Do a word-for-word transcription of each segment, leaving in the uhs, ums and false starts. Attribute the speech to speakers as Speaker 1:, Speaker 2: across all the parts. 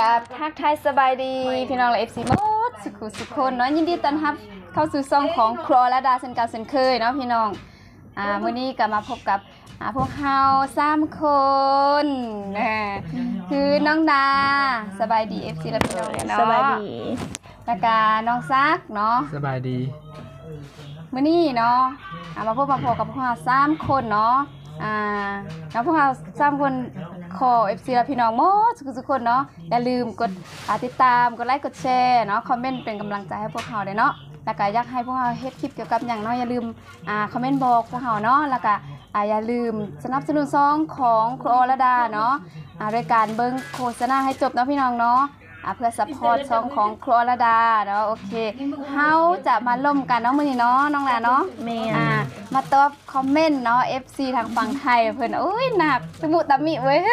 Speaker 1: กับทักทายสบายดีพี่น้องและ เอฟ ซี หมดสุขุสุขคนเนาะยินดีต้อนรับเข้าสู่ช่องของครัวและดาเช่นเก่าเช่นเคยเนาะพี่น้องอ่ามื้อนี้ก็มาพบกับอ่าพวกเฮาสามคนนะคือน้องดาสบายดี เอฟ ซี และพี่น้องเนาะ
Speaker 2: สบายดี
Speaker 1: แล้วก็น้องซักเนาะ
Speaker 3: สบายดี
Speaker 1: มื้อนี้เนาะอ่ามาพบมาพบกับพวกเฮาสามคนเนาะอ่าแล้วพวกเราสามคนขอ เอฟ ซี และพี่น้องหมดทุกคนเนาะอย่าลืมกดติดตามกดไลค์กดแชร์เนาะคอมเมนต์เป็นกำลังใจให้พวกเราด้วยเนาะแล้วก็อยากให้พวกเราเฮ็ดคลิปเกี่ยวกับหยังเนาะอย่าลืมอ่าคอมเมนต์บอกพวกเราเนาะแล้วก็อ่าอย่าลืมสนับสนุนซองของครูอรดาเนาะอ่าโดยการเบิ่งโฆษณาให้จบเนาะพี่น้องเนาะอ่าเพื่อซัพพอร์ตซองของครูอรดาเนาะโอเคเฮาจะมาล่มกันเนาะมื้อนี้เนาะน้องหลานเนาะ
Speaker 2: แม่
Speaker 1: อ่ามาตอบคอมเมนต์เนาะ เอฟ ซี ทางฝั่งไทยเพิ่นโอ้ยหนักสมุตะมิเว้ย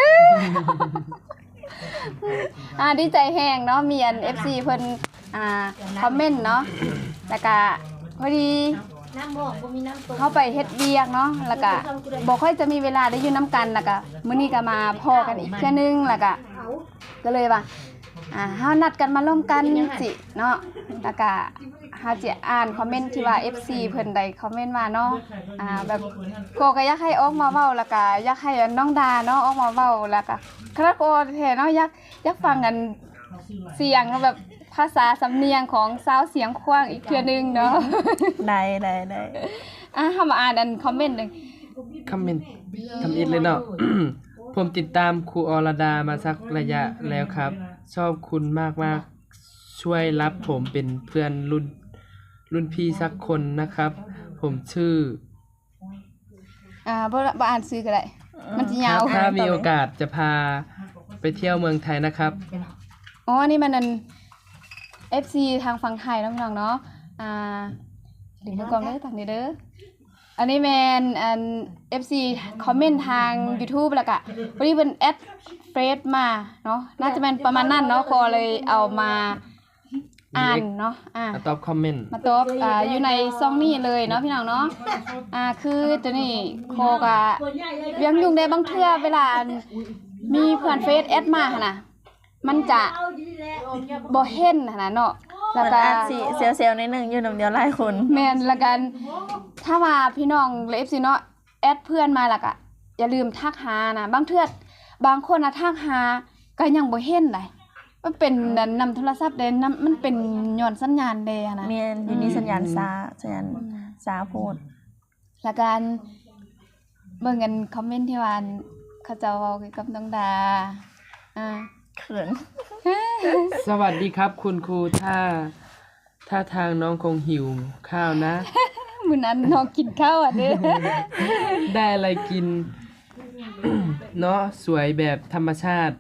Speaker 1: อ่าดีใจแฮงเนาะมีอัน เอฟ ซี เพิ่นอ่าคอมเมนต์เนาะแล้วก็พอดีเข้าไปเฮ็ดเวียกเนาะแล้วก็บ่ค่อยจะมีเวลาได้อยู่นํกันแล้วก็มื้อนี้ก็มาพ้อกันอีกเทื่อนึงแล้วก็ก็เลยว่าอ่าเฮานัดกันมาร่วมกันสิเนาะแล้วก็เฮาจะอ่านคอมเมนต์ที่ว่า เอฟ ซี เพิ่นได้คอมเมนต์มาเนาะอ่าแบบโกก็อยากให้ออกมาเว้าแล้วก็อยากให้น้องดาเนาะออกมาเว้าแล้วก็คณะโกแท้เนาะอยากอยากฟังกันเสียงแบบภาษาสำเนียงของสาวเสียงควางอีกเทื่อนึงเนาะ
Speaker 2: ได้ได้ได้
Speaker 1: อ่ะเฮามาอ่านอันคอมเมนต์นึง
Speaker 3: คอมเมนต์ทำอิดเลยเนาะ ผมติดตามครูอรดามาสักระยะแล้วครับ ชอบคุณมากๆช่วยรับผมเป็นเพื่อนรุ่นรุ่นพี่สักคนนะครับ ผมชื่อ
Speaker 1: อ่าบ่บ่อ่านชื่อก็ได้มันสิยาว
Speaker 3: ถ้ามีโอกาสจะพาไปเที่ยวเมืองไทยนะครับ
Speaker 1: อ๋อนี่มันอัน เอฟ ซี ทางฝั่งไทยเนาะพี่น้องเนาะอ่าดึงมือกล้องได้ทางนี้เด้ออันนี้แม่นอัน เอฟ ซี คอมเมนต์ทาง YouTube แล้วก็วันนี้เพิ่นแอดเฟซมาเนาะน่าจะเป็นประมาณนั้นเนาะก็เลยเอามาอ่านเนาะอ่า
Speaker 3: มาตอบคอมเมนต์
Speaker 1: มาตอบอ่าอยู่ในช่องนี้เลยเนาะพี่น้องเนาะอ่าคือตัวนี้โคก็ยังยุ่งได้บางเทื่อเวลามีเพื่อนเฟซแอดมาหั่นน่ะมันจะบ่เห็นหั่นน่ะเนาะ
Speaker 2: แล้วก็สิเซลล์ๆนิดนึงอยู่นำเดียวหลายคน
Speaker 1: แม่นละกันถ้าว่าพี่น้อง เอฟ ซี เนาะแอดเพื่อนมาแล้วก็อย่าลืมทักหานะบางเทื่อบางคนน่ะทักหาก็ยังบ่เห็นได้มันเป็นนำโทรศัพท์เด้นำมันเป็นย้อนสัญญาณเด้นะ
Speaker 2: แม่นอยู่นี่สัญญาณช้าสัญญาณช้าโพด
Speaker 1: ละกันเบิ่งกันคอมเมนต์ที่ว่าเขาเจ้าเว้าเกี่ยวกับน้องดาอ่า
Speaker 2: เขิน
Speaker 3: สวัสดีครับคุณครูถ้าถ้าทางน้องคงหิวข้าวนะ
Speaker 1: มื้อนั้นน้องกินข้าวอ่ะเด้อ
Speaker 3: ได้อะไรกิน เนาะสวยแบบธรรมชาติ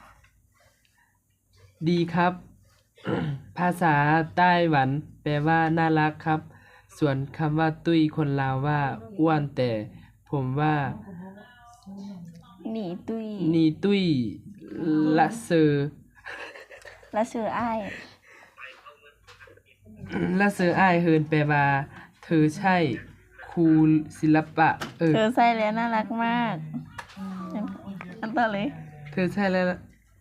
Speaker 3: ดีครับ ภาษาไต้หวันแปลว่าน่ารักครับส่วนคำว่าตุ้ยคนลาวว่าอ้วนแต่ผมว่า
Speaker 2: หนีตุ้ย
Speaker 3: หนีตุ้ยละเซอ
Speaker 2: ละเซออ้าย
Speaker 3: ละเซออ้ายเฮินแปลว่าเธอใช่ครูศิลปะ
Speaker 2: เออเธอใช่แล้วน่ารักมากอันต่อเลย
Speaker 3: เธอใช่แล้ว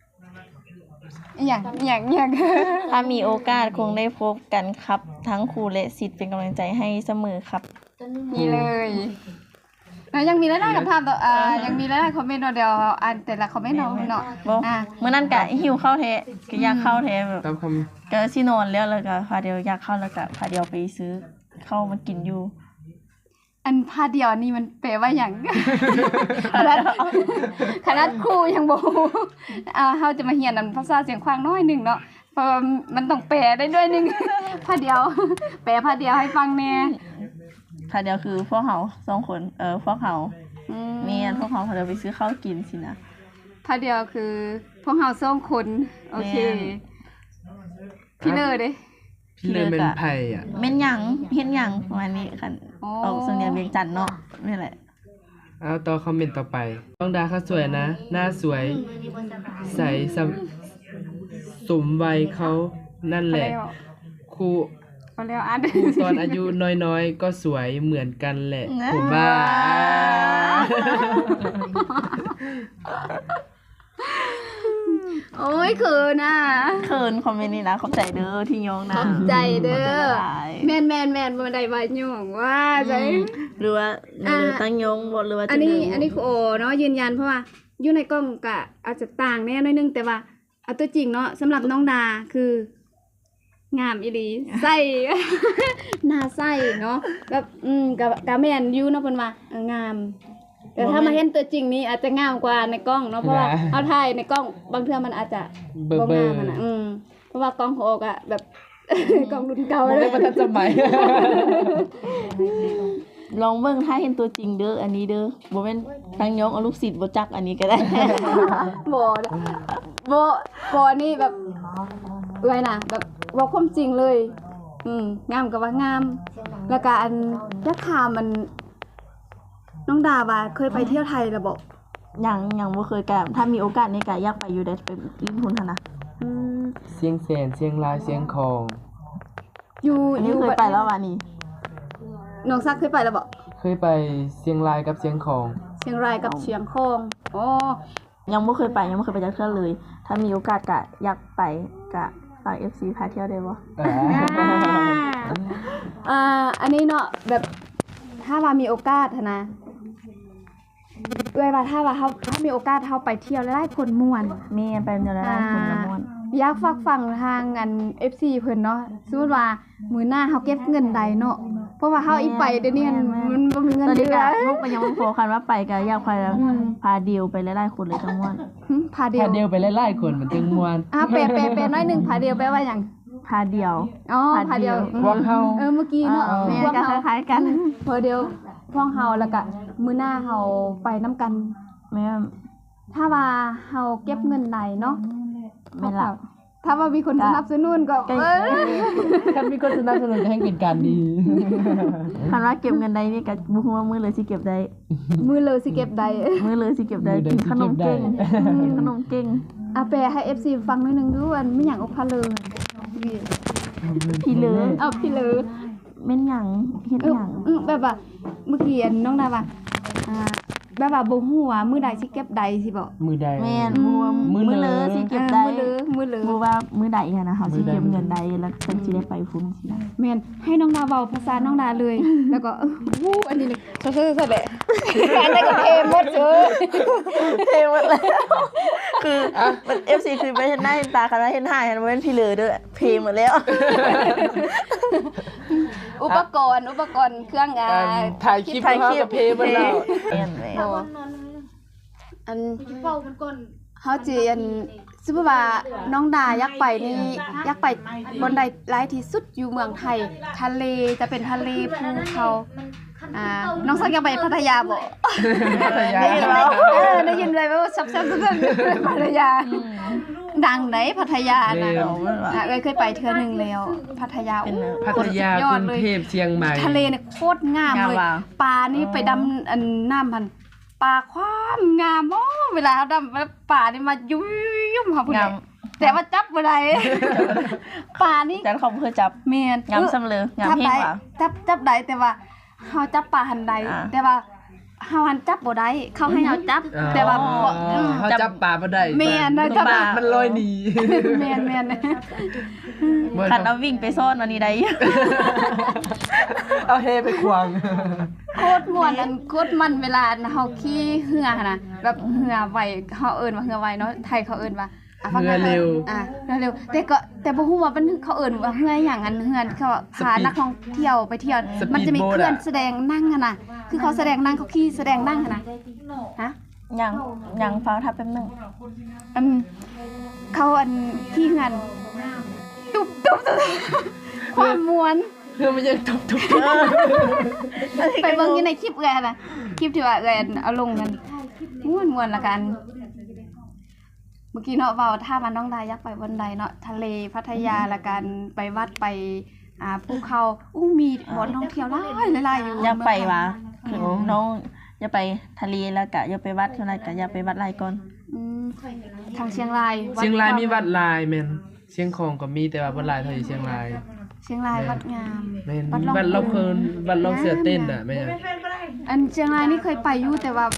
Speaker 1: อย่างอย่างอย่าง
Speaker 2: ถ้ามีโอกาสคงได้พบกันครับทั้งครูและศิษย์เป็นกำลังใจให้เสมอครับ
Speaker 1: นี่เลยแล้วยังมีหลายๆคำถามต่ออ่ายังมีหลายๆคอมเมนต์เนาะเดี๋ยวอ่านแต่ละคอมเมนต์เนาะเนาะ
Speaker 2: อ่ามื้อนั้นก็หิวข้าวแท้ก็อยากเข้าแท้แบบ
Speaker 3: ตามคำ
Speaker 2: ก็สินอนแล้วแล้วก็พาเดียวอยากเข้าแล้วก็พาเดียวไปซื้อข้าวมากินอยู่
Speaker 1: อันพาเดียวนี่มันแปลว่าหยังขนาดขนาดครูยังบ่อ่าเฮาจะมาเรียนอันภาษาเสียงขวางน้อยนึงเนาะเพราะมันต้องแปลได้ด้วยนึงพาเดียวแปลพาเดียวให้ฟังแน่
Speaker 2: พาเดียวคือพวกเฮาสองคนเออพวกเฮาอืมแม่นพวกเฮาพาเดียวไปซื้อข้าวกินสินะ
Speaker 1: พาเดียวคือพวกเฮาสองคนโอเคพี่เลอเด้
Speaker 3: พี่เลยเป็นไผอ่ะ
Speaker 2: แม่นหยังเฮ็ดหยังประมาณนี้คั่นออกสำเนียงเวียงจันทน์เนาะนี่แหละ
Speaker 3: เอาต่อคอมเมนต์ต่อไปน้องดาเขาสวยนะหน้าสวยใสสมวัยเขานั่นแหละครู
Speaker 1: พอแล้วอ่าน
Speaker 3: ครูตอนอายุน้อยๆก็สวยเหมือนกันแหละผมว่า
Speaker 1: โอ้ยเขินอ่ะ
Speaker 2: เคินคอมเมนต์นี่นะขอบใจเด้อที่ยงนะ
Speaker 1: ขอบใจเด้
Speaker 2: ขอบใจ
Speaker 1: อ
Speaker 2: หลาย
Speaker 1: แม่นแม่นแม่นบ่ได้ว่าหย่องว่าใจ
Speaker 2: อืมหรือว่าหรือตั้งยงบ่หรือว่า
Speaker 1: อันนี้
Speaker 2: จะ
Speaker 1: อันนี้คือโอเนาะยืนยันเพราะว่าอยู่ในกล้องก็อาจจะต่างแน่หน่อยนึงแต่ว่าเอาตัวจริงเนาะสำหรับน้องดาคืองามอีหลีใส่ หน้าใส่เนาะแบบอืมกับกะแม่นอยู่เนาะเพิ่นว่าเอองาม แต่ถ้ามาเห็นตัวจริงนี่อาจจะงามกว่าในกล้องเนาะเพราะว่าเอาถ่ายในกล้องบางเทื่อมันอาจจะ
Speaker 3: เบอร์
Speaker 1: บ่
Speaker 3: เบอง
Speaker 1: าม
Speaker 3: ร์
Speaker 1: อะนะอืมเพราะว่ากล้องของโอกอะแบบ กล้องรุ่นเก่า
Speaker 3: บ่
Speaker 1: เล
Speaker 3: ได้
Speaker 1: ย
Speaker 3: ประทันสมัย
Speaker 2: ลองเบิ่งถ้าเห็นตัวจริงเด้ออันนี้เด้อบ่แม่นตั้งยงเอาลูกศิษย์บ่จักอันนี้ก็ได้
Speaker 1: บ่บ่บ่นี่แบบไว้น่ะแบบว่าความจริงเลย อืมงามก็ว่างาม แล้วก็อันยักษ์ขามมันน้องดาว่าเคยไปเที่ยวไทยแล้วบ่
Speaker 2: ยังยังบ่เคยกะถ้ามีโอกาสในกะอยากไปอยู่ได้ไปลิ้นทุนหั่นน่ะ
Speaker 1: อืม
Speaker 3: เสียงแสนเสียงลายเสียงคอง
Speaker 1: อยู่
Speaker 2: อัน
Speaker 1: อ
Speaker 2: นี้
Speaker 1: ยู่
Speaker 2: เคยไปแล้ววันนี้
Speaker 1: น้องซักเคยไปแล้วบ่
Speaker 3: เคยไปเสียงลายกับเสียงคอง
Speaker 1: เชียงรายกับเชียงคองอ๋อ
Speaker 2: ยังบ่เคยไปยังบ่เคยไปจักเทื่อเลย ถ้ามีโอกาสกะอยากไปกะฝาก เอฟ ซี พาเที่ยวได้บ่
Speaker 3: อ่า
Speaker 1: อ่าอันนี้เนาะแบบถ้าว่ามีโอกาสหั้นนะเอ้ยว่าถ้าว่าเฮาถ้ามีโอกาสเฮาไปเที่ยวแล้วได้คนม่วน
Speaker 2: แม่นไปเดี๋ยวได้คนละม่วน
Speaker 1: อยากฝากฟังทางอัน เอฟ ซี เพิ่นเนาะสมมุติว่ามื้อหน้าเฮาเก็บเงินใดเนาะเพราะว่าเฮาอีไปเดี๋ยวนี้มันบ่มีเงิน
Speaker 2: ตอน
Speaker 1: เดื
Speaker 2: นี้
Speaker 1: อก
Speaker 2: ะลูกก็ยังบ่พอคันว่าไปกะอยากไปแล้ว
Speaker 1: อืม
Speaker 2: พาเดียวไปหลายๆคนเลยจังม่วน
Speaker 1: หึพาเดีย
Speaker 3: ถ้าว เดียวไปไล่ๆคนมันจึงม่วน
Speaker 1: อ่ะแปลแปลแปลน้อยหนึงพาเดียวแปลว่าหยัง
Speaker 2: พาเดียว
Speaker 1: อ๋อพา
Speaker 2: พาเดี
Speaker 1: เดีย
Speaker 2: ยว ว
Speaker 3: พวกเฮา
Speaker 1: เออเมื่อกี้เนาะ
Speaker 2: อ่าแม่
Speaker 1: พวก
Speaker 2: ก็
Speaker 1: เฮา
Speaker 2: คล้ายๆกัน
Speaker 1: พอเดียวพวกเฮาแล้วก็มื้อหน้าเฮาไปนํกัน
Speaker 2: แม่น
Speaker 1: ถ้าว่าเฮาเก็บเงินได้เนาะ
Speaker 2: แม่นล่ะ
Speaker 1: ถ้าว่ามีคนสนับสนุนก็
Speaker 2: ก็
Speaker 1: เออ
Speaker 3: คันมีคนสนับสนุนก็ให้เป็นการดี
Speaker 2: คันว่าเก็บเงินได้นี่ก็บ่ฮู้ว่ามื้อเลยสิเก็บได้
Speaker 1: มือเลยสิเก็บได้
Speaker 2: มื้อเลยสิเก็บได้
Speaker 3: มื้อเลย
Speaker 2: กิน
Speaker 3: สิ
Speaker 2: ขนมเก่ง
Speaker 3: เก็บได้
Speaker 2: กินขนมเก่ง
Speaker 1: อาแปลให้ เอฟ ซี ฟังหน่อยหนึงดูอันไม่หยังอกพะเลย
Speaker 2: พี่เหลือ
Speaker 1: เอาพี่เลย
Speaker 2: แม่นหยังเฮ็ด
Speaker 1: เออ
Speaker 2: หยัง
Speaker 1: อือแบบว่าเมื่อกี้อันน้องนาว่าอ่าแบบว่าบ่ฮู้ว่ามื้อใดสิเก็บใดสิบ่
Speaker 3: มือใด
Speaker 2: แม่นบ่ว่า
Speaker 3: มื้
Speaker 2: มื้
Speaker 3: อ
Speaker 2: อ
Speaker 3: เล
Speaker 2: เลย
Speaker 3: อ
Speaker 2: สิเก็บได้
Speaker 1: มือเลยมือเลย
Speaker 2: บ่ว่ามื้อใดอะนะเฮาสิ
Speaker 3: มื้อใด
Speaker 2: เก็บเงินได้แล้วเพิ่นสิได้ไปฟุ้นสินะ
Speaker 1: แม่นให้น้องนาเว้าภาษาน้องนาเลย แล้วก็เออวู้อันนี้เลยซะๆๆแหละอันนั้นก็เทหมดเด้อ
Speaker 2: เทหมดแล้วคือมัน เอฟ ซี คือไปเห็นหน้าเห็นตาคันว่าเห็นหน้าเห็นบ่เป็นพี่เหลือเด้อเพหมดแล้ว
Speaker 1: อุปกรณ์อุปกรณ์เครื่องอ่า
Speaker 3: การถ่ายคลิป
Speaker 2: ถ่ายคลิป
Speaker 3: เฮากับเพลงมันแล้ว
Speaker 2: แม่นแม่น
Speaker 1: โอ้อันเว้ามันก่อนเฮาสิอันสมมุติว่าน้องดาอยากไปนี่อยากไปบนใดหลายที่สุดอยู่เมืองไทย ทะเลจะเป็นทะเลภูเขาอ่าน้องสักอยากไปพัทยาบ่
Speaker 3: พัทยา
Speaker 1: ได้ยินไหมเออได้ยินเลยว่าซับซ้ำๆพัทยา ดังไหนพัทยานะ
Speaker 3: เร็ว
Speaker 1: อ่ะเอ้ยเคยไปเทื่อหนึงแล้ว พัทยา
Speaker 2: เป็น
Speaker 1: โอ้
Speaker 3: พัทยาก
Speaker 1: ยอ
Speaker 3: รุ
Speaker 1: ด
Speaker 3: ง
Speaker 1: เลย
Speaker 3: เทพเชียงใหม่
Speaker 1: ทะเลเนี่ยโคตรงามเลย
Speaker 2: งามว่ะ
Speaker 1: ปลานี่ไปดำอันน้ำพันปลาความงามโอ้เวลาเขาดำแล้วปลานี่มายุ่ยๆค่ะพุ่น
Speaker 2: งา
Speaker 1: น่ะ
Speaker 2: ม
Speaker 1: แต่ว่าจับบ่ได้ ปลานี่
Speaker 2: จันเขาบ่เคยจับ
Speaker 1: แม่น
Speaker 2: งามซำเลยงาม
Speaker 1: จับ
Speaker 2: เฮง
Speaker 1: ได้
Speaker 2: ว่ะ
Speaker 1: จับจับได้แต่ว่าเฮาจับปลาหันใด
Speaker 2: อ่า
Speaker 1: แต่ว่าเฮาหันจับบ่ได้เขาให้เฮาจับ
Speaker 3: อ๋อ
Speaker 1: แต่ว่าบ่อืม
Speaker 3: เขาจับปลาบ่ได้
Speaker 1: แม่นนะ
Speaker 3: ปลามันลอยหนี
Speaker 1: แม่นแม่น
Speaker 3: บ่
Speaker 2: คันเอาวิ่งไปซ่อนวันนี้ได้
Speaker 3: เอาเฮไปควาง
Speaker 1: โคตรม่วนอันโคตรมันเวลาเฮาขี่เรือหั่นน่ะแบบเรือไวเฮาเอิ้นว่าเรือไวเนาะไทยเขาเอิ้นว่าอ่ะฟัง
Speaker 3: เรือเร็ว
Speaker 1: อ่ะเรือเร็วแต่ก็แต่บ่ฮู้ว่ามันเขาเอิ้นว่าเรือหยังอันเรือเขาพานักท่องเที่ยวไปเที่ยว
Speaker 3: สปีด
Speaker 1: มันจะมี
Speaker 3: โบ๊ท
Speaker 1: เครื่อง
Speaker 3: อะ
Speaker 1: แสดงนั่งหั่นน่ะคือเขาแสดงนั่งเขาขี่แสดงนั่งหั่นน่ะฮะ
Speaker 2: ยังยังฟังทับแป๊บนึง
Speaker 1: อันเขาอันขี่เฮือนตุ๊บตุ๊บตุ๊บความม่วน
Speaker 3: เพื่อมันยังทุบทุบ
Speaker 1: ไปเบิ่งอยู่ในคลิปเอื้อยหั่นน่ะคลิปที่ว่าเอื้อยเอาลงกันม่วนม่วนละกัน เมื่อกี้เนาะเว้าถ้ามันน้องดาอยากไปบนใดเนาะทะเลพัทยาละกันไปวัดไปอ่าภูเขาอู้มีบ่อนท่องเที่ยวหลายหลายๆอยู่
Speaker 2: อยากไปว่ะคือน้องอย่าไปทะเลแล้วกะอย่าไปวัดเท่านั้นกะอย่าไปวัดหลายก่อน
Speaker 1: อืมทางเชียงราย
Speaker 3: เชียงรายมีวัดลายแม่นเชียงของก็มีแต่ว่าบ่หลายเท่าอยู่เชียงราย
Speaker 1: เชียงรายวัดงาม
Speaker 3: แม่น
Speaker 1: วัดร่อง
Speaker 3: วัดเราเคินวัดเราเสือเต้นน่ะแม่น
Speaker 1: อันเชียงรายนี่เคยไปอยู่แต่ว่า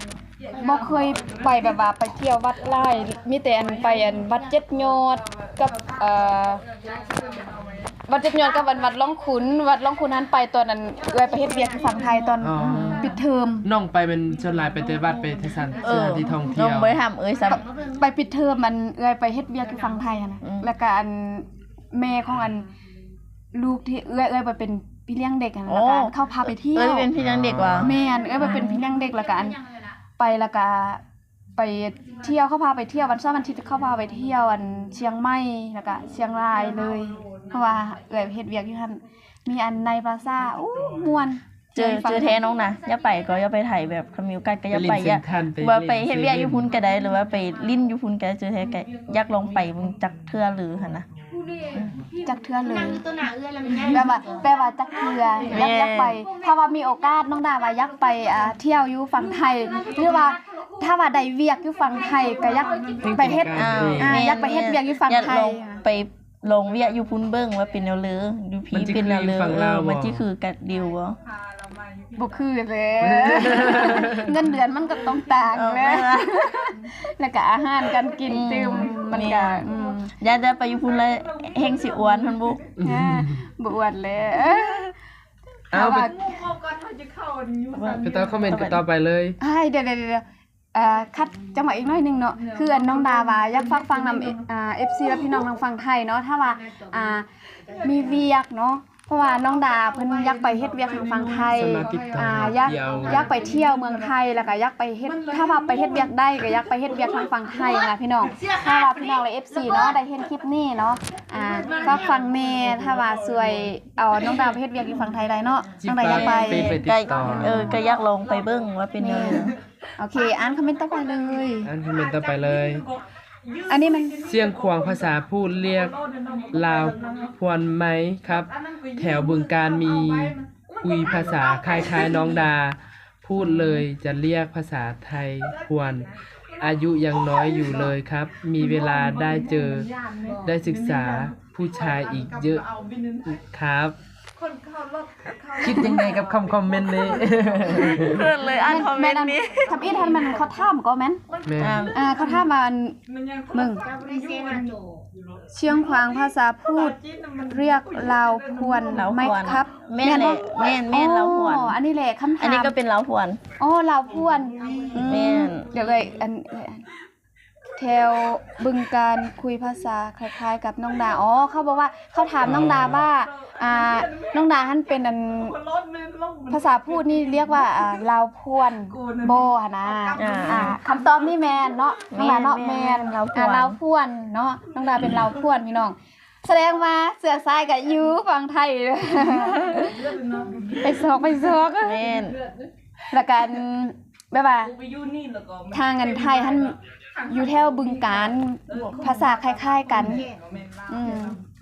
Speaker 1: บ่เคยไปแบบว่าไปเที่ยววัดหลายมีแต่อันไปอันวัดเจ็ดยอดกับเอ่อวัดเจ็ดยอดกับวัดวัดล่องขุนวัดล่องขุนนั้นไปตอนนั้นเอ้ยไปเฮ็ดเวียกที่ฝั่งไทยตอน
Speaker 3: อ๋อ
Speaker 1: ปิดเทอม
Speaker 3: น้องไปเป็นชนหลายไปแต่วัดไปที่สัน
Speaker 2: เอ
Speaker 3: ส
Speaker 2: อ
Speaker 3: ถานที่ท่อง
Speaker 2: น้
Speaker 3: เที่
Speaker 2: อง
Speaker 3: ยว
Speaker 2: บ่ได้ทำเอ้ยซ้ำ
Speaker 1: ไปปิดเทอมมันเอ้ยไปเฮ็ดเวียกที่ฝั่งไทยอะนะ
Speaker 2: อืม
Speaker 1: แล้วก็อันแม่ของอันลูกที่เอ้ยเอ้ยไปเป็นพี่เลี้ยงเด็กอะนะแล้วก็อันเข้าพาไปเที่ยว
Speaker 2: เอ้ยเป็นพี่เลี้ยงเด็กว่ะ
Speaker 1: แม่นเอ้ยไปเป็นพี่เลี้ยงเด็กแล้วก็อันไปแล้วก็ไปเที่ยวเขาพาไปเที่ยววันเสาร์วันอาทิตย์เขาพาไปเที่ยวอันเชียงใหม่แล้วก็เชียงรายเลย เพราะว่าเอ้ยเฮ็ดเวียกอยู่หั่นมีอันในพลาซ่าอู้ม่วน
Speaker 2: เจอเจอแท้น้องนะอย่าไปก็อย่าไปถ่ายแบบคามิวกันก็อย่าไป
Speaker 3: ไป
Speaker 2: อย่า
Speaker 3: เล่นเซ็นทรัลไป
Speaker 2: ว่าไป
Speaker 3: เล่น
Speaker 2: เฮ็ดเวียก
Speaker 3: เซเว่น
Speaker 2: อยู่พุ่นก็ได้หรือว่าไปลิ้นอยู่พุ่นก็ได้เจอแท้ก็อยากลองไปเบิ่งจักเทื่อหรือหั่นนะ
Speaker 1: จักเทื่อเลย
Speaker 4: นั่งอยู่ตัวหน้าเอื้อแล้วมันง่าย
Speaker 1: แปลว่าแปลว่าจักเทื่ออยากอยากไปถ้าว่ามีโอกาสน้องดาว่าอยากไปอ่าเที่ยวอยู่ฝั่งไทยหรือว่าถ้าว่าได้เวียกอยู่ฝั่งไทยก็อยากไปเฮ็ด
Speaker 3: อ่า
Speaker 1: อ่าอยากไปเฮ็ดเวียกอยู่ฝั่ง
Speaker 2: อยาก
Speaker 1: ไท
Speaker 2: ล
Speaker 1: ย
Speaker 2: องไปลงเวียกอยู่พุ่นเบิ่งว่าเป็นแนวเลืออยู่พีเป็นแนวเลือเออมันสิคือกัดดิวบ่
Speaker 1: บ่คือเลยเงินเดือนมันก็ต้องต่าง
Speaker 2: เออ
Speaker 1: แล้
Speaker 2: แม่
Speaker 1: ว
Speaker 2: ว่า
Speaker 1: แล้วก็อาหารการกินตื่มมันก็อืม
Speaker 2: อยากจะไปอยู่พุ่นแล้วแฮงสิอ้วนหั่นบุ
Speaker 1: อ่าบ่อวดเลย
Speaker 3: เอาไป
Speaker 1: ว่า
Speaker 3: ไปต่อคอมเมนต์กันต่อไปเลย
Speaker 1: ไอ้เดี๋ยวๆๆเอ่อคัดจังหวะอีกหน่อยหนึงเนาะคืออันน้องดาว่าอยากฟังฟังนำอ่า เอฟ ซี และพี่น้องทางฝั่งไทยเนาะถ้าว่าอ่ามีเวียกเนาะเพราะว่าน้องดาเพิ่นอยากไปเฮ็ดเวียกทางฝั่งไทย
Speaker 3: สมาธิต่ออ่
Speaker 1: อ่าอยาก
Speaker 3: เที่ยว
Speaker 1: อยากไปเที่ยวเมืองไทยแล้วก็อยากไปเฮ็ดถ้าว่าไปเฮ็ดเวียกได้ก็อยากไปเฮ็ดเวียกทางฝั่งไทยนะพี่น้องถ้าว่าพี่น้องและ เอฟ ซี เนาะได้เห็นคลิปนี้เนาะอ่าฟังฟังแม่ถ้าว่าสวยเอาน้องดาไปเฮ็ดเวียกอยู่ฝั่งไทยได้เนาะน้องดาอยากไป
Speaker 3: ไปไปติ
Speaker 2: ก็
Speaker 3: ดต่อ
Speaker 2: เออก็อยากลองไปเบิ่งว่าเป็นแนวเลือ
Speaker 1: โอเคอ่านคอมเมนต์ต่อไปเลย
Speaker 3: อันคอมเมนต์ต่อไปเลย
Speaker 1: อันนี้มัน
Speaker 3: เสียงขวางภาษาพูดเรียกลาวพวนไหมครับ แถวบึงการมีคุยภาษาคล้ายๆน้องดา พูดเลยจะเรียกภาษาไทยพวน อายุยังน้อยอยู่เลยครับ มีเวลาได้เจอได้ศึกษาผู้ชายอีกเยอะครับ คิดยังไงกับคำคอมเมนต์นี้
Speaker 2: เพื่อนเลยอ่านคอมเมนต์นี้
Speaker 1: ทำอีทันมันเขาถามก็แม่น
Speaker 3: แม่
Speaker 2: อ่า
Speaker 1: อ่าเขาถามมามึงเชียงขวางภาษาพูดเรียกลาวพวน
Speaker 2: ลาวพวน
Speaker 1: ไหมครับ
Speaker 2: แม่นแหละแม่นแม่นลาวพวน
Speaker 1: อ๋ออันนี้แหละคำถาม
Speaker 2: อันนี้ก็เป็นลาวพวน
Speaker 1: อ๋อลาวพวนอื
Speaker 2: แม่น
Speaker 1: เดี๋ยวเลยอันแถวบึงการคุยภาษาคล้ายๆ กับน้องดาอ๋อเขาบอกว่าเขาถามน้องดาว่าอ่าน้องดาท่านเป็นอันภาษาพูดนี่เรียกว่าอ่าลาวพวนโบหนนะ
Speaker 2: อ่า
Speaker 1: อ่าคำตอบนี่แมนเนาะน้องดาเนาะ
Speaker 2: แม่
Speaker 1: แม
Speaker 2: น
Speaker 1: น
Speaker 2: ลาวพวน
Speaker 1: อ่าลาวพวนเนาะน้องดาเป็นลาวพวนพี่น้อง แสดงว่าเสือซ้ายกับยูฝั่งไทย ไปซอกไปซอก
Speaker 2: แม่น
Speaker 1: แล้วกันแบบว่าทางกันไทยท่านอยู่แถวบึงการภาษาคล้ายๆกันอืม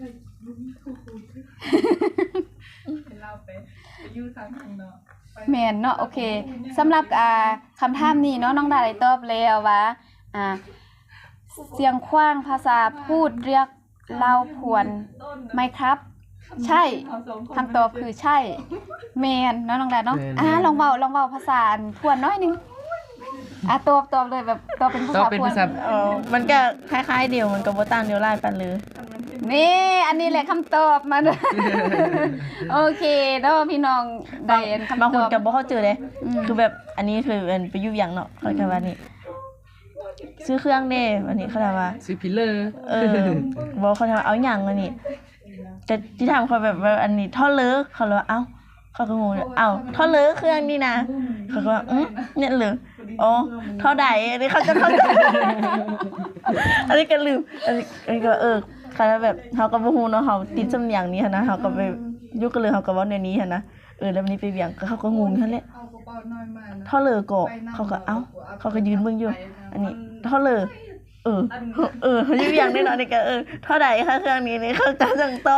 Speaker 1: แม่นเนาะโอเคสำหรับอ่าคำถามนี้เนาะน้องดาได้ตอบแล้วว่าอ่าเสียงขว้างภาษาพูดเรียกลาวพวนไหมครับ ใช่คำตอบคือใช่แม่นเนาะน้องดาเนาะอ่าลองเว้าลองเว้าภาษาพวนน้อยหนึงอ่ะตอบตอบเลยแบบตอบเป็นภา
Speaker 3: ต้อง
Speaker 1: ษา
Speaker 3: เป็น
Speaker 1: พวน
Speaker 3: ภาษา
Speaker 2: เออมันก็คล้ายๆเดียวมันก็บ่ต่างเดียวหลายปานเลย
Speaker 1: นี่อันนี้แหละคำตอบมัน โอเคเนาะพี่น้องได้อันคำต
Speaker 2: บางคน
Speaker 1: อบ
Speaker 2: ก็บ่เข้าใจเด้
Speaker 1: อืม
Speaker 2: คือแบบอันนี้คือเป็นไปอยู่หยังเนาะเขาก็ว่านี่ซื้อเครื่องเด้วันนี้เขาถามว่า
Speaker 3: ซื้อพิลเลอร์
Speaker 2: เออบอกเขาถามว่าเอาหยังอันนี้แต่ที่ถามเขาแบบว่าอันนี้ท่อเลิกเขาเลยว่าเอ้าเขาก็งงเลยเอ้าท่อเลิกเครื่องนี่นะเขาก็ว่าอืมเนี่ยเหรออ๋อท่อใดอันนี้เขาจะเข้าใจ อันนี้ก็ลืมอันนี้อันนี้ก็เออเขาแบบเขาก็บ่ฮู้เนาะเขาติดสำเนียงนี้หันนะเขาก็ไปยุคกันเลยเขาก็เว้าในนี้หันนะเออแล้ววันนี้ไปเวียงก็เขาก็งงนั่นแหละท่อเลอก็เขาก็เอ้าเขาก็ยืนเบิ่งอยู่อันนี้ท่อเลอเออเออเขาอยู่เวียงได้เนาะนี่ก็เออเท่าใดคะเครื่องนี้นี่เขาจะจังตอบ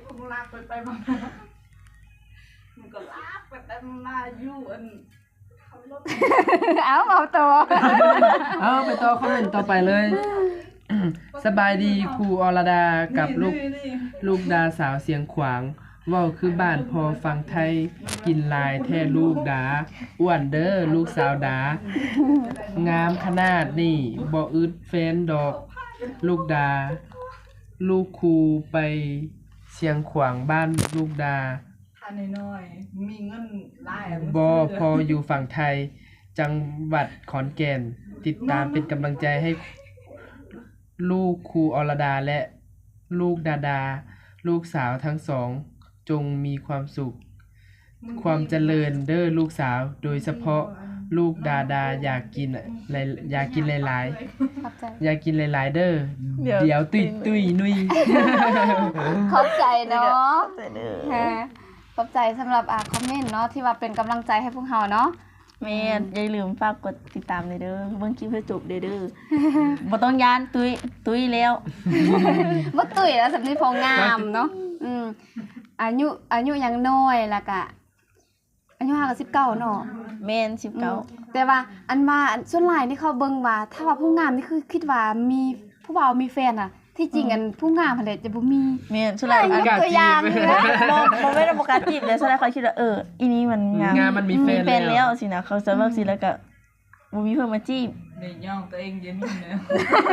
Speaker 1: เอาเอาตัว
Speaker 3: เอาไปต่อคอมเมนต์ต่อไปเลย สบายดีครูอรดากับลูกลูกดาสาวเสียงขวางเว้าคือบ้านพอฟังไทยกินหลายแท้ลูกดาอ้วนเด้อลูกสาวดางามขนาดนี้บ่อึดแฟนดอกลูกดา ลูกครูไปเชียงขวางบ้านลูกดา
Speaker 4: อันน้อยๆมีเงินหลาย
Speaker 3: บ่พออยู่ฝั่งไทย จังหวัดขอนแก่น ติดตามเป็นกำลังใจให้ ลูกครูอรดาและลูกดาดา ลูกสาวทั้งสอง จงมีความสุข ความเจริญเด้อลูกสาว โดยเฉพาะลูกดาดาอยากกินหลายอยากกินหลาย
Speaker 1: ขอบใจ
Speaker 3: ๆ อยากกินหลายๆ เด้อ
Speaker 2: เดี๋ยว
Speaker 3: เดี๋ยวตุยตุยนุย
Speaker 1: ขอบใจเนาะ
Speaker 2: แต่เด้อ
Speaker 1: ฮะขอบใจสำหรับอ่าคอมเมนต์เนาะที่ว่าเป็นกำลังใจให้พวกเราเนาะ
Speaker 2: แม่อย่าลืมฝากกดติดตามเลยเด้อเบิ่งคลิปให้จบเด้อเด้อ บ่ต้องย้านตุ้ยตุ้ยแล้ว
Speaker 1: บ่ตุ้ยแล้วสำนีพองามเนาะอืมอายุอายุยังน้อยแล้วก็อายุห้ากับสิบเก้าเนาะ
Speaker 2: แม่นสิบเก้า
Speaker 1: แต่ว่าอันว่าอันส่วนหลายนี่เขาเบิ่งว่า ถ้าว่าผู้งามนี่คือคิดว่ามีผู้บ่าวมีแฟนอ่ะ ที่จริงอันผู้งามหั่นแหละจะบ่มี
Speaker 2: แม่นสุดท้าย
Speaker 1: ย
Speaker 2: อัน
Speaker 1: กตัวอย่างนะ
Speaker 2: บ่บ่แม่นบ่กล้าจีบเลยสุดท้ายเขาคิดว่าเอออีนี้มันงาม
Speaker 3: งามมันมีแฟน
Speaker 2: แฟน
Speaker 3: แล้
Speaker 2: แล้ว วสินะเขาจะว่าสิแล้วก็บ่มีเพิ่นมาจีบ
Speaker 4: ในย่องตัวเองเย็นนี่นะ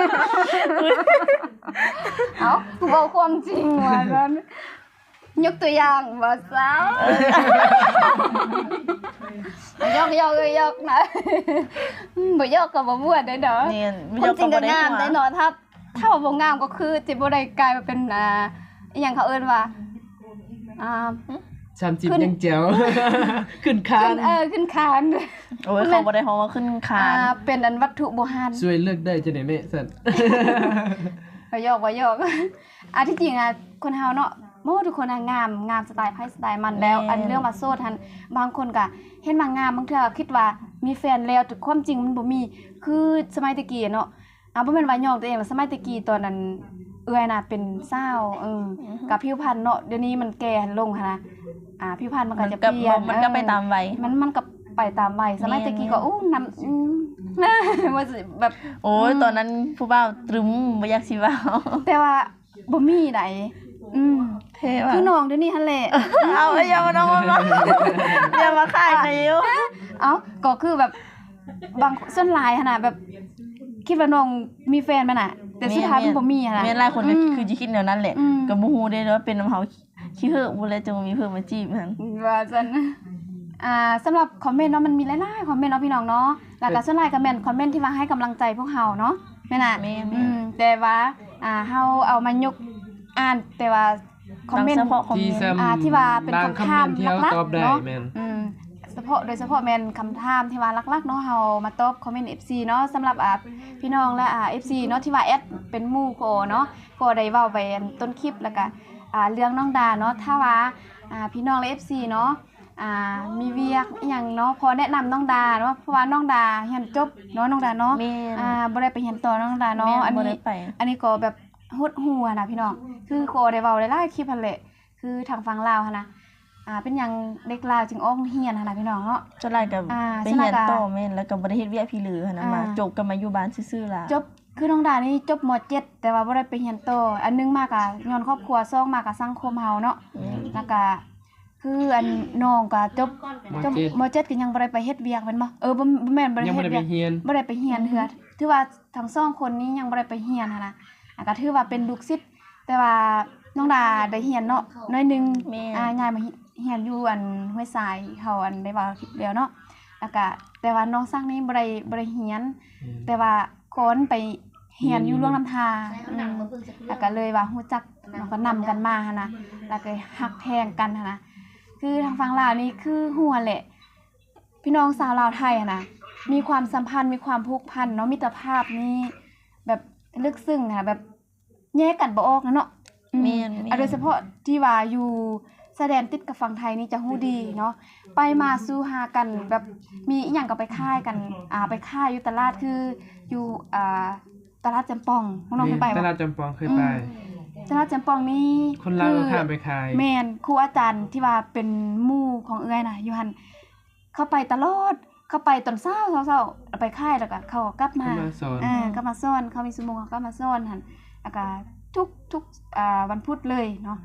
Speaker 1: เอ้าเว้าความจริงว่านั้นยกตัวอย่างบ่สาวยกยกยกนะบ่ยกก็บ่ม่วนได้เด้อ
Speaker 2: แม่น
Speaker 1: คนจริงก็งามได้
Speaker 2: เนาะ
Speaker 1: เนาะถ้าถ้าว่าบ่งามก็คือสิบ่ได้กลายมาเป็นอ่าอีหยังเขาเอิ้นว่าอ่า
Speaker 3: สามสิบ
Speaker 1: ขึ้น
Speaker 3: ยังแจ๋ว ขึ้นคา
Speaker 1: ขึ้
Speaker 3: น
Speaker 1: นเออขึ้นคาน
Speaker 2: โอ้ยเขาบ่ได้ฮ้องว่าขึ้นคา
Speaker 1: อ่าน เป็นอันวัตถุโบราณ
Speaker 3: ช่วยเลือกได้จะได้แม่สั่น
Speaker 1: บ่ยอกบ่ยอกอ่ะที่จริงอ่ะคนเฮาเนาะโมทุกคนอ่ะงามงามสไตล์ไผสไตล์มันแล้ว อันเรื่องมาโซดหันบางคนก็เห็นมางามบางเทื่อคิดว่ามีแฟนแล้วแต่ความจริงมันบ่มีคือสมัยตะกี้เนาะอ่ะบ่แม่นว่ายอกตัวเองหรอกสมัยตะกี้ตอนนั้นเอื้อยน่ะเป็นสาวเออกับผิวพรรณเนาะเดี๋ยวนี้มันแก่ลงหั่นนะอ่าผิวพรรณมันก็
Speaker 2: มัน
Speaker 1: จะ
Speaker 2: ก็
Speaker 1: เปลี่ยน
Speaker 2: มันก็ไป
Speaker 1: เออ
Speaker 2: ตามวัย
Speaker 1: มันมันก็ไปตามวัยสมัย
Speaker 2: แม่น
Speaker 1: ตะกี้ก็อู้น้ำอืม ว่าสิแบบ
Speaker 2: โอ้ยตอนนั้นผู้บ่าวตรึมบ่อยากสิเว้า
Speaker 1: แต่ว่าบ่มีไหนอืม
Speaker 2: เท่ว่ะ
Speaker 1: คือน้องเดี๋ยวนี้หั่นแหละ
Speaker 2: เอาอย่ามาน้องมาอย่ามาขายนะยู
Speaker 1: เอ้าก็คือแบบบางส่วนหลายหั่นน่ะแบบคิดว่าน้องมีแฟนมันน่ะ แต่สุดท้ายมันบ่มีหั่นน่ะ
Speaker 2: แม่นหลายคนก็
Speaker 1: อืม
Speaker 2: คือสิคิดแนวนั้นแหละ
Speaker 1: อืม
Speaker 2: ก็บ่ฮู้เด้ว่าเป็นน้ำเฮาขี้เหอะบ่แล้วจะมีเพิ่นมาจีบหั่น
Speaker 1: ว่าซั่นอ่าสำหรับคอมเมนต์เนาะมันมีหลายๆคอมเมนต์เนาะพี่น้องเนาะแล้วก็ส่วนหลายก็แม่นคอมเมนต์ที่ว่าให้กำลังใจพวกเฮาเนาะแม่นน่ะ
Speaker 2: แม่
Speaker 1: อืมแต่ว่าอ่าเฮาเอามายกอ่านแต่ว่าคอมเมนต์
Speaker 2: เฉพาะคอม
Speaker 3: ที่
Speaker 2: เมนต์
Speaker 3: ซ้ำ
Speaker 1: อ่าที่ว่าเป็น
Speaker 3: บาง
Speaker 1: คำ
Speaker 3: คำ
Speaker 1: ถาม
Speaker 3: เมนต์ที่เฮา
Speaker 1: หลัก
Speaker 3: ตอบ
Speaker 1: ๆ
Speaker 3: ได้
Speaker 1: เนาะ
Speaker 3: แม่น
Speaker 1: อืมเฉพาะโดยเฉพาะแม่นคำถามที่ว่าหลักๆเนาะเฮามาตอบคอมเมนต์ เอฟ ซี เนาะสำหรับอ่าพี่น้องและอ่า เอฟ ซี เนาะที่ว่าแอดเป็นหมู่โคเนาะก็ได้เว้าไปอันต้นคลิปแล้วก็อ่าเรื่องน้องดาเนาะถ้าว่าอ่าพี่น้องและ เอฟ ซี เนาะอ่ามีเวียกอหยังเนาะพอแนะนำน้องดาเนาะเพราะว่าน้องดาเรียนจบเนาะน้องดาเนาะ
Speaker 2: แม่น
Speaker 1: อ่าบ่ได้ไปเรียนต่อน้องดาเนาะ
Speaker 2: แม่
Speaker 1: อัน
Speaker 2: บ่ได้
Speaker 1: นี้
Speaker 2: ไป
Speaker 1: อันนี้ก็แบบหดหัวนะพี่น้อง คือโคได้เว้าหลายๆคลิปหั่นแหละ คือทางฝั่งลาวหั่นนะอ่า เป็นหยังเด็กลาวจึงออกเรียนหั่นน่ะพี่น้องเนาะ
Speaker 2: จนหลายก็
Speaker 1: อ่า
Speaker 2: ไป
Speaker 1: ส่วนห
Speaker 2: เรี
Speaker 1: ลาย
Speaker 2: ยน
Speaker 1: ก็
Speaker 2: ต่อแม่นแล้วก็บ่ได้เฮ็ดเวียกพี่เหลือหั่นน่ะมา
Speaker 1: อ่า
Speaker 2: จบก็มาอยู่บ้านซื่อๆล่ะ
Speaker 1: จบ คือน้องดานี่จบม เจ็ด แต่ว่าบ่ได้ไปเรียนต่อ อันหนึงมาก็ย้อนครอบครัวสองมาก็สังคมเฮาเนาะ
Speaker 2: อืม
Speaker 1: แล้วก็คืออันน้องก็จบจบ
Speaker 3: ม
Speaker 1: ม เจ็ด ก็ยังบ่ได้ไปเฮ็ดเวียกแม่นบ่เออบ่บ่แม่นบ่ได้
Speaker 3: ยัง
Speaker 1: เฮ็
Speaker 3: บ่
Speaker 1: ด
Speaker 3: ได้
Speaker 1: เวี
Speaker 3: ไป
Speaker 1: ยก
Speaker 3: เรียน
Speaker 1: บ่ได้ไปเรียนเทื่อถือว่าทั้งสองคนนี้ยังบ่ได้ไปเรียนหันนะอ่ะก็ถือว่าเป็นลูกศิษย์แต่ว่าน้องดาได้เรียนเนาะน้อยหนึง
Speaker 2: แม่
Speaker 1: อ่าย้ายมาเรียนอยู่อันห้วยทรายเขาอันได้ว่าคลิปแล้วเนาะแล้วก็แต่ว่าน้องซักนี้บ่ได้บ่ได้เรียน แต่ว่าคนไปเรียนอยู่ร่วงน้ำทาอืมแล้วก็เลยว่ารู้จักแล้วก็นำกันมาหันนะแล้วก็ฮักแพงกันหันนะคือทางฝั่งลาวนี่คือหัวแหละ พี่น้องสาวลาวไทยอะนะมีความสัมพันธ์มีความผูกพันเนาะมิตรภาพนี่แบบลึกซึ้งอะแบบแยกกันบ่ออกนะเนาะอื
Speaker 2: แม่นๆ
Speaker 1: อ่ะโดยเฉพาะที่ว่าอยู่แสดงติดกับฝั่งไทยนี่จะฮู้ดีเนาะไปมาสู่หากันแบบมีอีหยังก็ไปค่ายกันอ่าไปค่ายอยู่ตลาดคืออยู่อ่าตลาดจำปองน้องๆเคยไป
Speaker 3: ต
Speaker 1: บ่
Speaker 3: ลาดจำปองเคยไป
Speaker 1: ตลาดจำปองนี่
Speaker 3: คนลาวก็ข้ามไปขาย
Speaker 1: แม่นครูอาจารย์ที่ว่าเป็นหมู่ของเอื้อยน่ะอยู่หั่นเข้าไปตลอดเข้าไปตอนเช้าเช้าๆเอาไปค่ายแล้วก็เขาก็กลับมา
Speaker 3: เข้ามาสอน
Speaker 1: อ่ากลับมาสอนเขามีชั่วโมงเขาก็มาสอนหั่นแล้วก็ทุกทุกอ่าวันพุธเลยเนาะ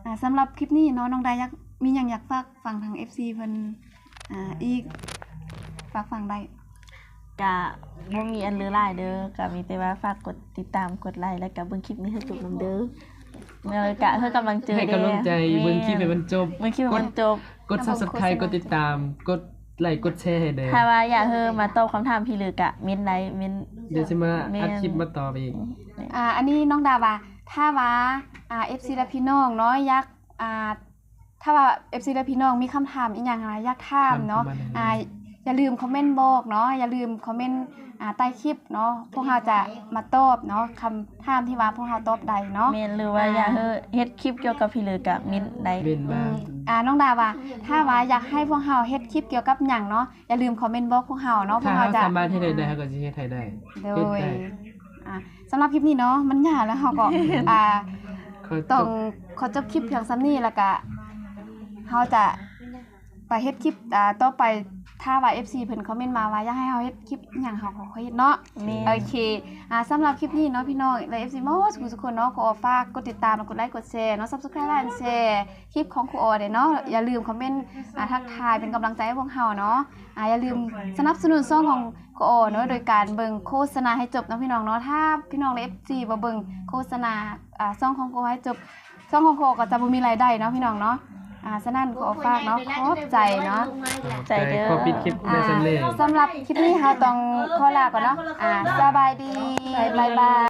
Speaker 1: อ่าสำหรับคลิปนี้เนาะน้องดาอยากมีหยังอยากฝากฟังทาง เอฟ ซี เพิ่นอ่าอีกฝากฟังได้
Speaker 2: ก็บ่มีอันเหลือหลายเด้อก็มีแต่ว่าฝากกดติดตามกดไลค์แล้วก็เบิ่งคลิปนี้ให้จบนำเด้อแล้วก็เพื่อกำลังเจอ
Speaker 3: ให้กำลังใจเบิ่งคลิปให้มันจบ
Speaker 2: เบิ่งคลิปให้มันจบ
Speaker 3: กด Subscribe กดติดตามกดไลค์กดแชร์ให้เด้อ
Speaker 2: ถ้าว่าอยากเฮอมาตอบคำถามพี่ลึกอะเม้นไลค์เม้น
Speaker 3: เดี๋ยวสิมา
Speaker 2: แม่น
Speaker 3: อัดคลิปมาตอบอีก
Speaker 1: อ่าอันนี้น้องดาว่าถ้าว่าอ่า เอฟ ซี และพี่น้องเนาะอยากอ่าถ้าว่า เอฟ ซี และพี่น้องมีคำถามอีหยังอะไรอยากถามเนาะ
Speaker 3: ถามเข้ามาได้
Speaker 1: อ่าอย่าลืมคอมเมนต์บอกเนาะอย่าลืมคอมเมนต์อ่าใต้คลิปเนาะพวกเราจะมาตอบเนาะคำถามที่ว่าพวกเราตอบได้เนาะ
Speaker 2: เม้นหรือว่าอยากเฮอเฮ็ดคลิปเกี่ยวกับพี่ลึกอะเม้นได้
Speaker 3: เว้น
Speaker 1: อื
Speaker 3: มาม
Speaker 1: อ่าน้องดาว่าถ้าว่าอยากให้พวกเราเฮ็ดคลิปเกี่ยวกับหยังเนาะอย่าลืมคอมเมนต์บอกพวกเราเนาะพว
Speaker 3: ถ้าก
Speaker 1: เรา
Speaker 3: เรา
Speaker 1: จะ
Speaker 3: สามารถเฮ็ดได้ได้เราก็สิเฮ็ดให้ได้
Speaker 1: โด
Speaker 3: เฮ็ด
Speaker 1: ย
Speaker 3: ได้
Speaker 1: อ่าสำหรับคลิปนี้เนาะมันยาวแล้วเราก็ อ่า
Speaker 3: ขอจ
Speaker 1: ต้อง
Speaker 3: บ
Speaker 1: ขอจบคลิปเพียงซ้ำนี้แล้วก็เฮาจะไปเฮ็ดคลิปอ่าต่อไปถ้าว่า เอฟ ซี เพิ่นคอมเมนต์มาว่าอยากให้เฮาเฮ็ดคลิปอิหยังเฮาก็ขอเฮ็ดเนาะ
Speaker 2: แม่น
Speaker 1: โอเคอ่าสำหรับคลิปนี้เนาะพี่น้องและ เอฟ ซี หมดทุกคนเนาะขอฝากกดติดตามและกดไลค์กดแชร์เนาะ Subscribe และแชร์คลิปของครูออเด้เนาะอย่าลืมคอมเมนต์อ่าทักทายเป็นกำลังใจให้พวกเฮาเนาะอ่าอย่าลืมสนับสนุนช่องของครูออเนาะโดยการเบิ่งโฆษณาให้จบเนาะพี่น้องเนาะถ้าพี่น้องและ เอฟ ซี บ่เบิ่งโฆษณาอ่าช่องของครูให้จบ ช่องของโคก็จะบ่มีรายได้เนาะพี่น้องเนาะ อ่าฉะนั้นขอฝากเนาะขอบใจเนาะ
Speaker 2: ใจเด้อ
Speaker 3: ขอปิดคลิป
Speaker 1: อ่า
Speaker 3: ได้สำเร็จ
Speaker 1: สำหรับคลิปนี้เราต้องขอลาก่อนเนาะ อ่าสบายดี บ๊ายบาย